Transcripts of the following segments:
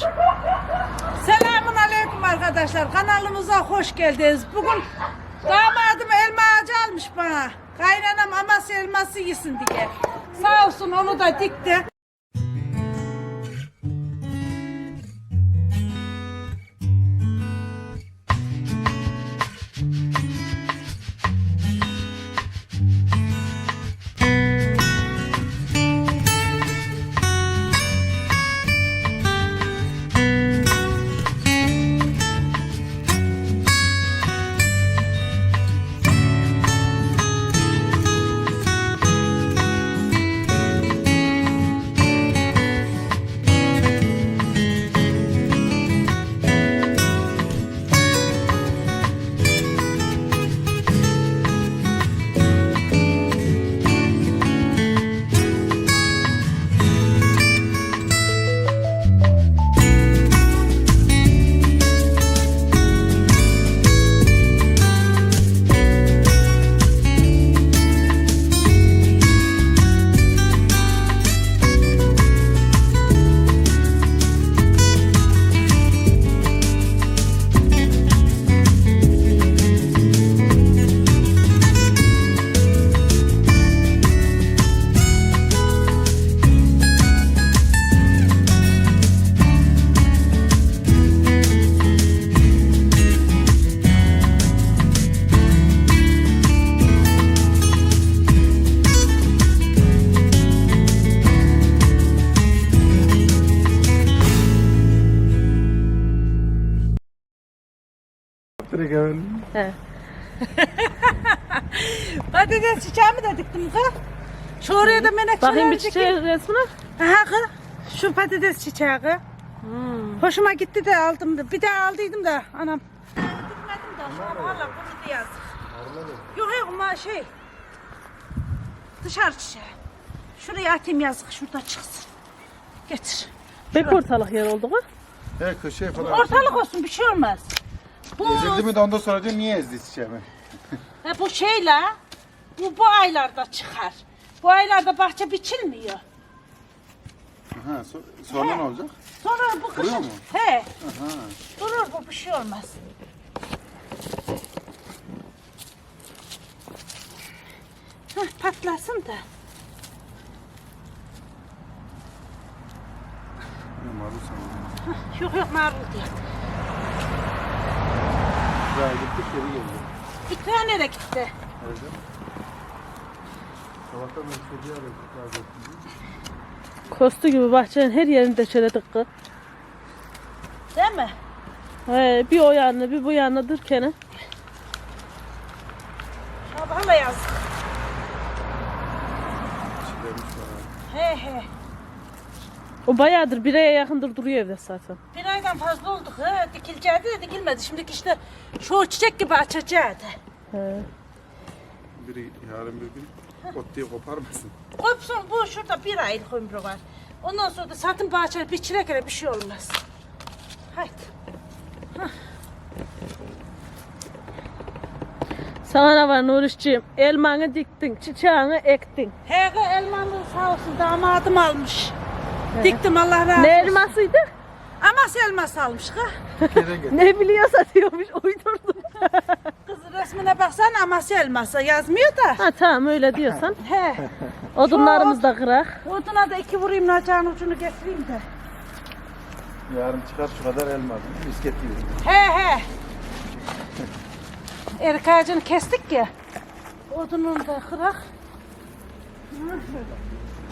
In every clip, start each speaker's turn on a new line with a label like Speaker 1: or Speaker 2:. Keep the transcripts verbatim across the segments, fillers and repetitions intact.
Speaker 1: Selamun aleyküm arkadaşlar. Kanalımıza hoş geldiniz. Bugün damadım elma ağacı almış bana. Kaynanam Amasya elması yesin diye. Sağ olsun onu da dikti.
Speaker 2: He.
Speaker 1: Patates çiçeğimi de diktim kız. Şu oraya da menekşeler
Speaker 2: Bakayım bir
Speaker 1: diktim.
Speaker 2: çiçeği resmine.
Speaker 1: Aha kız. Şu patates çiçeği kız.
Speaker 2: Hmm.
Speaker 1: Hoşuma gitti de aldım da. Bir daha aldıydım da anam. Dikmedim de şu an valla bunu da yazık. Yok yok ama şey. Dışarı çiçeği. Şuraya atayım yazık şurada çıksın. Getir.
Speaker 2: Pek ortalık yer oldu mu?
Speaker 3: Evet köşeye falan.
Speaker 1: Ortalık olsun bir şey olmaz. Bu,
Speaker 3: Ezildi mi de ondan sonra diyor niye ezdi çiçeğimi?
Speaker 1: he, bu şeyle bu, bu aylarda çıkar. Bu aylarda bahçe biçilmiyor.
Speaker 3: Ha, so sonra ne olacak?
Speaker 1: Sonra bu
Speaker 3: Duruyor
Speaker 1: kışın.
Speaker 3: mu?
Speaker 1: He.
Speaker 3: Aha.
Speaker 1: Durur bu bir şey olmaz. Hah, patlasın da.
Speaker 3: Ne marul sanırım.
Speaker 1: Hah, yok yok marul diye.
Speaker 3: Daha gittik geri geldi.
Speaker 1: İkra nereye gitti?
Speaker 3: Nerede? Sabahtan beri çocuğa da razı olsun.
Speaker 2: Kostu gibi bahçenin her yerini deşeledik kız.
Speaker 1: Değil mi?
Speaker 2: He, bir o yanına bir bu yanına durken.
Speaker 1: Sabahla yazdık.
Speaker 3: Çilemiş var.
Speaker 1: He he.
Speaker 2: O bayağıdır bir aya yakındır duruyor evde zaten.
Speaker 1: Bir aydan fazla olduk. He. Dikileceğiydi de dikilmedi. Şimdiki işte şu çiçek gibi açacaktı.
Speaker 2: He.
Speaker 3: Biri yarın bir gün ot diye koparmasın.
Speaker 1: Kopsun bu şurada bir aylık ömrü var. Ondan sonra da satın bahçeli bir çilek bir şey olmaz. Haydi.
Speaker 2: Sana ne var Nurişciğim? Elmanı diktin, çiçeğini ektin.
Speaker 1: He elmalı sağ olsun damadım almış. Diktim Allah razı olsun.
Speaker 2: Ne elmasıydı?
Speaker 1: Amasya elması almış ha.
Speaker 3: Türkiye'den getir.
Speaker 2: Ne biliyorsa diyormuş, uydurdum.
Speaker 1: Kız resmine baksana Amasya elması yazmıyor da.
Speaker 2: Ha tamam öyle diyorsan.
Speaker 1: He.
Speaker 2: Odunlarımız da kırak.
Speaker 1: Oduna da iki vurayım nacağın ucunu getireyim de.
Speaker 3: Yarın çıkar şu kadar elma. Misket gibi.
Speaker 1: He he. Erik ağacını kestik ya. Odununu da kırak. Ha, şöyle.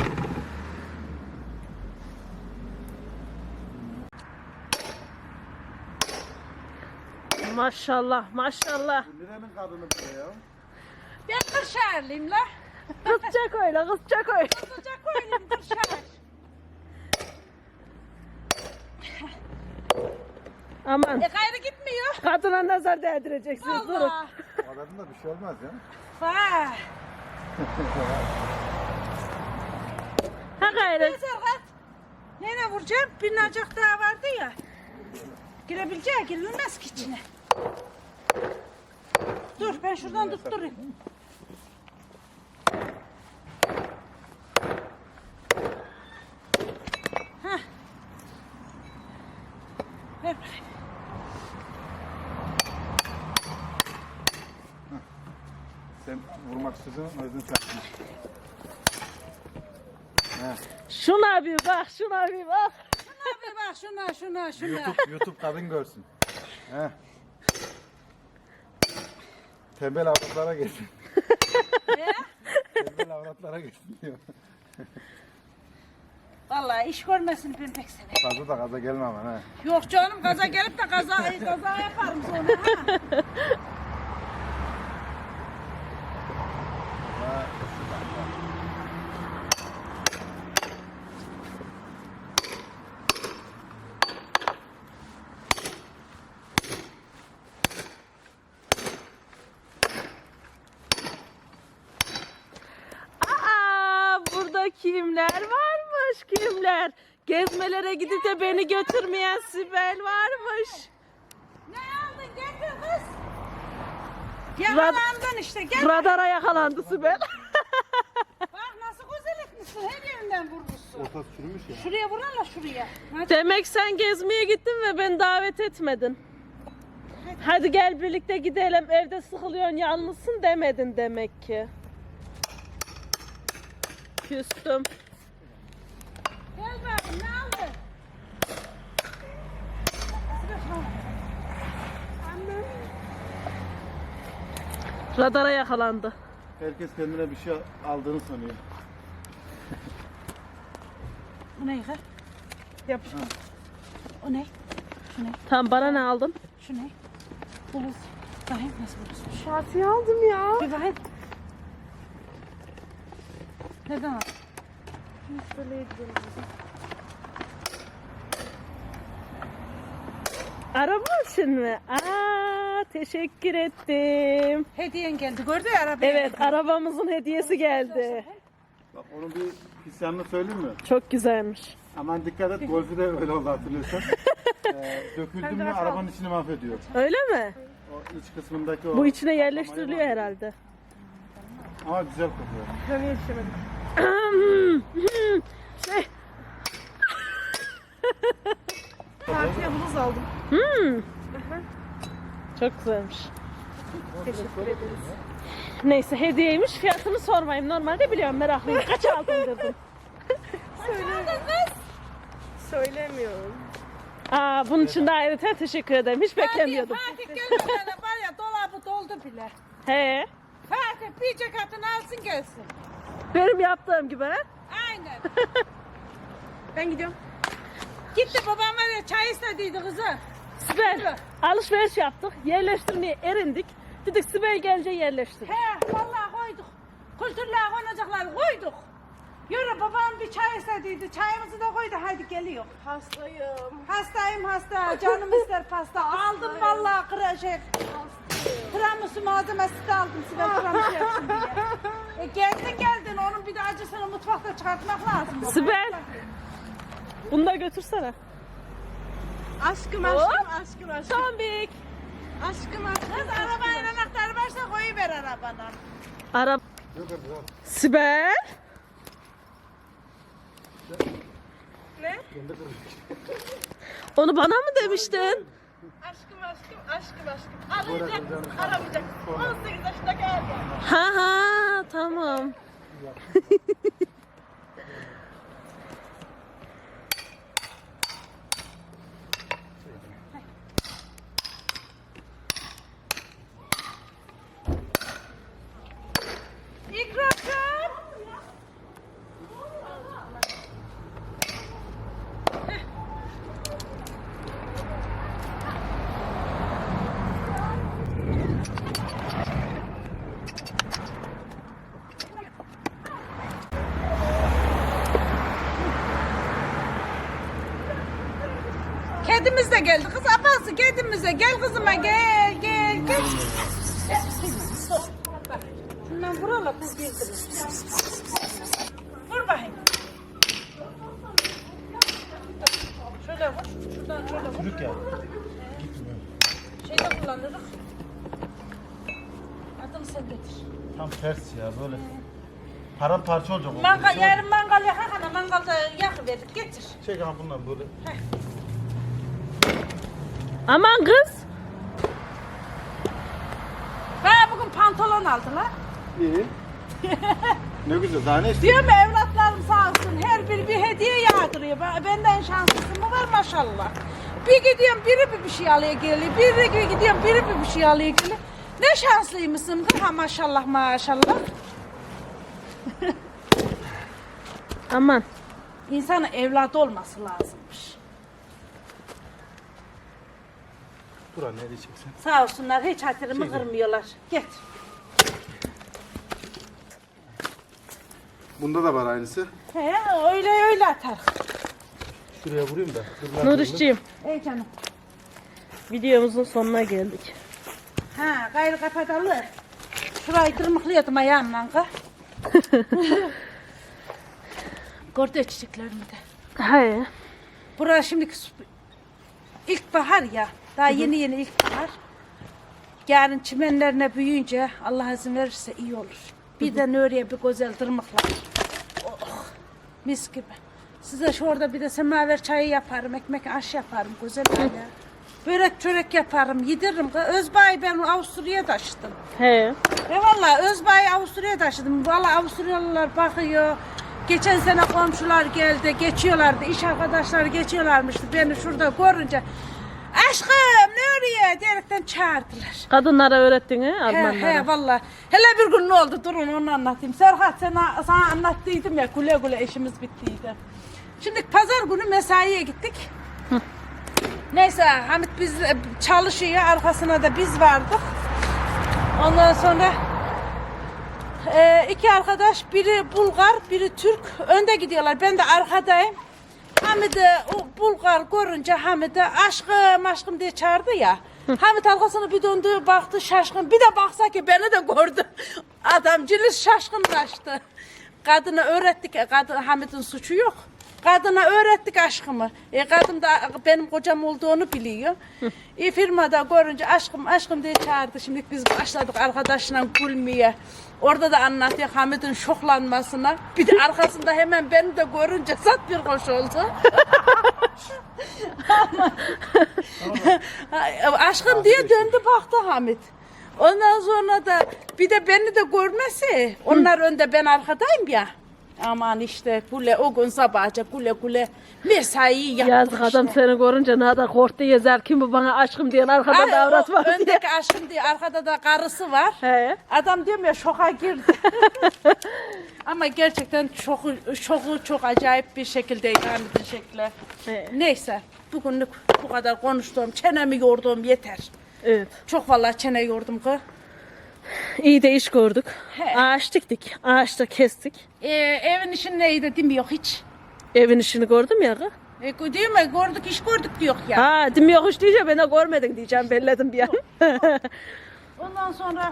Speaker 2: Maşallah maşallah.
Speaker 3: Nerenin kadını bu ya?
Speaker 1: Ben Kırşehirliyim la.
Speaker 2: Kızcak öyle kızcak öyle.
Speaker 1: Sıcak oynayayım Kırşehir.
Speaker 2: Aman
Speaker 1: E gayrı gitmiyor.
Speaker 2: kadına nazar değdireceksiniz durun.
Speaker 1: Allah.
Speaker 3: Kadın da bir şey olmaz ya.
Speaker 1: Vay.
Speaker 2: Ha gayrı.
Speaker 1: Neyse kalk. Neyine vuracağım? Bir nacak daha vardı ya. Girebileceği girilmez ki içine. Dur ben şuradan tutturayım. Heh. Ver bakayım.
Speaker 3: Sen vurmak istiyorsan o yüzden çarpma. He.
Speaker 2: Şuna bir bak, şuna bir bak.
Speaker 1: Şuna bir bak şuna şuna şuna.
Speaker 3: YouTube, YouTube kadın görsün. He. Tembel avratlara geçsin.
Speaker 1: He?
Speaker 3: Tembel avratlara geçsin diyor.
Speaker 1: Vallahi iş görmesin ben pek seni.
Speaker 3: Fazla da gaza gelme ama he.
Speaker 1: Yok canım gaza gelip de kaza, kaza yaparım sonra ha.
Speaker 2: Aa, burada kimler varmış, kimler? Gezmelere gidip de beni götürmeyen Sibel varmış.
Speaker 1: Ne aldın getir kız. Yakalandın işte gel.
Speaker 2: Radara yakalandı Sibel.
Speaker 1: Bak nasıl güzel etmişsin her yerinden vurmuşsun.
Speaker 3: Ortası çürümüş ya.
Speaker 1: Şuraya vurala şuraya. Hadi.
Speaker 2: Demek sen gezmeye gittin ve beni davet etmedin. Hadi gel birlikte gidelim, evde sıkılıyorsun, yalnızsın demedin demek ki. Küstüm.
Speaker 1: Gel bakayım ne aldın?
Speaker 2: Radara yakalandı.
Speaker 3: Herkes kendine bir şey aldığını sanıyor.
Speaker 1: Bu ne yıka? Yapışma. O ne? Şu ne?
Speaker 2: Tamam, bana ne aldın?
Speaker 1: Şu ne? Buluz. Bakayım nasıl buluz?
Speaker 2: Şartıyı aldım ya.
Speaker 1: Bir bakayım. Nereden aldın?
Speaker 2: Araba için mi? Aa, teşekkür ettim.
Speaker 1: Hediyen geldi gördün ya arabaya.
Speaker 2: Evet, arabamızın hediyesi geldi.
Speaker 3: Bak onun bir pis yanını söyleyeyim mi?
Speaker 2: Çok güzelmiş.
Speaker 3: Aman dikkat et, golfü de öyle oldu hatırlıyorsan. ee, döküldü mü arabanın içini mahvediyor.
Speaker 2: Öyle mi?
Speaker 3: O iç kısmındaki o...
Speaker 2: Bu içine yerleştiriliyor herhalde.
Speaker 3: Ama güzel kokuyor.
Speaker 2: Ben yetişemedim. şey.
Speaker 1: Partiye buluz aldım.
Speaker 2: Hmm. Çok güzelmiş.
Speaker 1: Teşekkür ederiz.
Speaker 2: Neyse, hediyeymiş. Fiyatını sormayayım. Normalde biliyorum, meraklıyım. Kaç aldın dedim.
Speaker 4: Söylemiyorum.
Speaker 2: Aa, bunun için de ayrıca teşekkür ederim. Hiç beklemiyordum.
Speaker 1: Fatih gelmeden var ya dolabı doldu bile.
Speaker 2: He.
Speaker 1: Fatih bir ceketini alsın gelsin.
Speaker 2: Benim yaptığım gibi. He?
Speaker 1: Aynen.
Speaker 4: Ben gidiyorum.
Speaker 1: Gitti babam var ya çay istediydi kızı.
Speaker 2: Sibel, alışveriş yaptık. Yerleştirmeye erindik. Dedik Sibel gelince yerleştir.
Speaker 1: He vallahi koyduk. Kültürler konacaklar koyduk. Yürü babam bir çay istediydi. Çayımızı da koydu. Hadi geliyor.
Speaker 4: Hastayım.
Speaker 1: Hastayım hasta. Canım ister pasta. Aldım vallahi kıra şey. Tiramisu malzemesi de aldım. Sibel tiramisu yapsın diye. E geldin geldin. Onun bir de acısını mutfakta çıkartmak lazım. baba.
Speaker 2: Sibel. Bunu da götürsene.
Speaker 4: Aşkım
Speaker 2: Hop.
Speaker 4: aşkım aşkım aşkım.
Speaker 2: Tombik.
Speaker 4: Aşkım aşkım.
Speaker 1: Kız arabanın anahtarı varsa koyuver arabana.
Speaker 2: Araba. Sibel.
Speaker 4: Ne?
Speaker 2: Onu bana mı demiştin?
Speaker 4: Aşkım aşkım aşkım aşkım. Arayacak aramayacak. on sekiz yaşında geldi.
Speaker 2: Ha ha, tamam.
Speaker 1: İkracığım. Kedimiz de geldi kız abası kedimize gel kızıma gel gel gel. Şundan vuralım kız girdi. Vur bakayım. Şöyle vur. Şuradan şöyle vur.
Speaker 3: Çürük ya.
Speaker 1: Şeyde kullanırız. Adını sen getir.
Speaker 3: Tam ters ya böyle. Paramparça olacak o.
Speaker 1: Mangal, yarın mangal yakar ana mangalda yakıverir getir.
Speaker 3: Çek ha bundan böyle.
Speaker 2: Aman kız.
Speaker 1: Bana bugün pantolon aldılar.
Speaker 3: İyi. Ne güzel, daha ne istiyorsun?
Speaker 1: Diyorum ya, evlatlarım sağ olsun her biri bir hediye yağdırıyor. Ben- Benden şanslısı mı var maşallah. Bir gidiyorum biri bir bir şey alıyor geliyor. Biri gidiyorum biri bir bir şey alıyor geliyor. Ne şanslıymışsın ha maşallah maşallah.
Speaker 2: Aman.
Speaker 1: İnsanın evladı olması lazımmış.
Speaker 3: Burak ne diyeceksin?
Speaker 1: Sağ olsunlar hiç hatırımı kırmıyorlar. Git.
Speaker 3: Bunda da var aynısı.
Speaker 1: He öyle öyle atar.
Speaker 3: Şuraya vurayım da.
Speaker 2: Nurişciğim,
Speaker 1: Ey canım.
Speaker 2: videomuzun sonuna geldik.
Speaker 1: Ha gayrı kapatalım. Şurayı tırmıklıyordum ayağımla. ka. Gördü çiçeklerimi de.
Speaker 2: Hayır.
Speaker 1: Burası şimdi ilkbahar ya. Daha yeni yeni ilkbahar. Yarın çimenlerine büyüyünce Allah izin verirse iyi olur. Bir de oraya bir güzel tırmıklar. Oh, mis gibi. Size şu orada bir de semaver çayı yaparım, ekmek aş yaparım güzel böyle. Börek çörek yaparım, yediririm. Özbay'ı ben Avusturya'ya taşıdım.
Speaker 2: He.
Speaker 1: E valla Özbay'ı Avusturya'ya taşıdım. Valla Avusturyalılar bakıyor. Geçen sene komşular geldi, geçiyorlardı. İş arkadaşları geçiyorlarmıştı. Beni şurada görünce aşkım ne oraya diyerekten çağırdılar.
Speaker 2: Kadınlara öğrettin he
Speaker 1: He
Speaker 2: Almanlara.
Speaker 1: he valla. Hele bir gün ne oldu durun onu anlatayım. Serhat sana, sana anlattıydım ya güle güle işimiz bittiydi. Şimdi pazar günü mesaiye gittik. Neyse Hamit biz çalışıyor arkasına da biz vardık. Ondan sonra e, iki arkadaş biri Bulgar biri Türk önde gidiyorlar. Ben de arkadayım. Hamid'i o Bulgar görünce Hamid'i aşkım aşkım diye çağırdı ya. Hamid arkasını bir döndü baktı şaşkın. Bir de baksa ki beni de gördü. Adamcılız şaşkınlaştı. Kadına öğrettik. Kadın, Hamid'in suçu yok. Kadına öğrettik aşkımı. E, kadın da benim kocam olduğunu biliyor. E, firmada görünce aşkım aşkım diye çağırdı. Şimdi biz başladık arkadaşla gülmeye. Orada da anlatıyor Hamid'in şoklanmasına. Bir de arkasında hemen beni de görünce zat bir hoş oldu. Aşkım diye döndü baktı Hamid. Ondan sonra da bir de beni de görmesi. Onlar önde ben arkadayım ya. Aman işte güle o gün sabahça güle güle mesaiyi yaptık
Speaker 2: Yazık adam
Speaker 1: işte.
Speaker 2: seni görünce ne kadar korktu yazar kim bu bana aşkım diyen arkada
Speaker 1: Ay,
Speaker 2: davrat
Speaker 1: o
Speaker 2: var diye.
Speaker 1: öndeki aşkım diye arkada da karısı var.
Speaker 2: He.
Speaker 1: Adam diyorum ya şoka girdi. Ama gerçekten şoku, şoku çok acayip bir şekildeydi Hamid'in şekli.
Speaker 2: He.
Speaker 1: Neyse bugünlük bu kadar konuştuğum çenemi yorduğum yeter.
Speaker 2: Evet.
Speaker 1: Çok vallahi çene yordum ki.
Speaker 2: İyi de iş gördük.
Speaker 1: He.
Speaker 2: Ağaç diktik. Ağaçta kestik.
Speaker 1: Ee, evin işin neydi değil mi yok hiç.
Speaker 2: Evin işini gördüm ya. kız.
Speaker 1: E, değil mi gördük iş gördük diyor ya.
Speaker 2: Ha dim yok iş diyeceğim ben de görmedin diyeceğim belledim bir an.
Speaker 1: Ondan sonra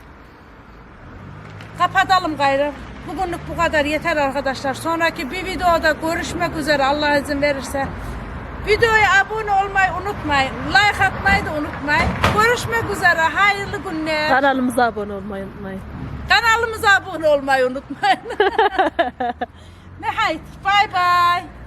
Speaker 1: kapatalım gayrı. Bugünlük bu kadar yeter arkadaşlar. Sonraki bir videoda görüşmek üzere Allah izin verirse. Videoya abone olmayı unutmayın. Like atmayı da unutmayın. Görüşmek üzere. Hayırlı günler.
Speaker 2: Kanalımıza abone olmayı unutmayın.
Speaker 1: Kanalımıza abone olmayı unutmayın. Ne hayt. Bye bye.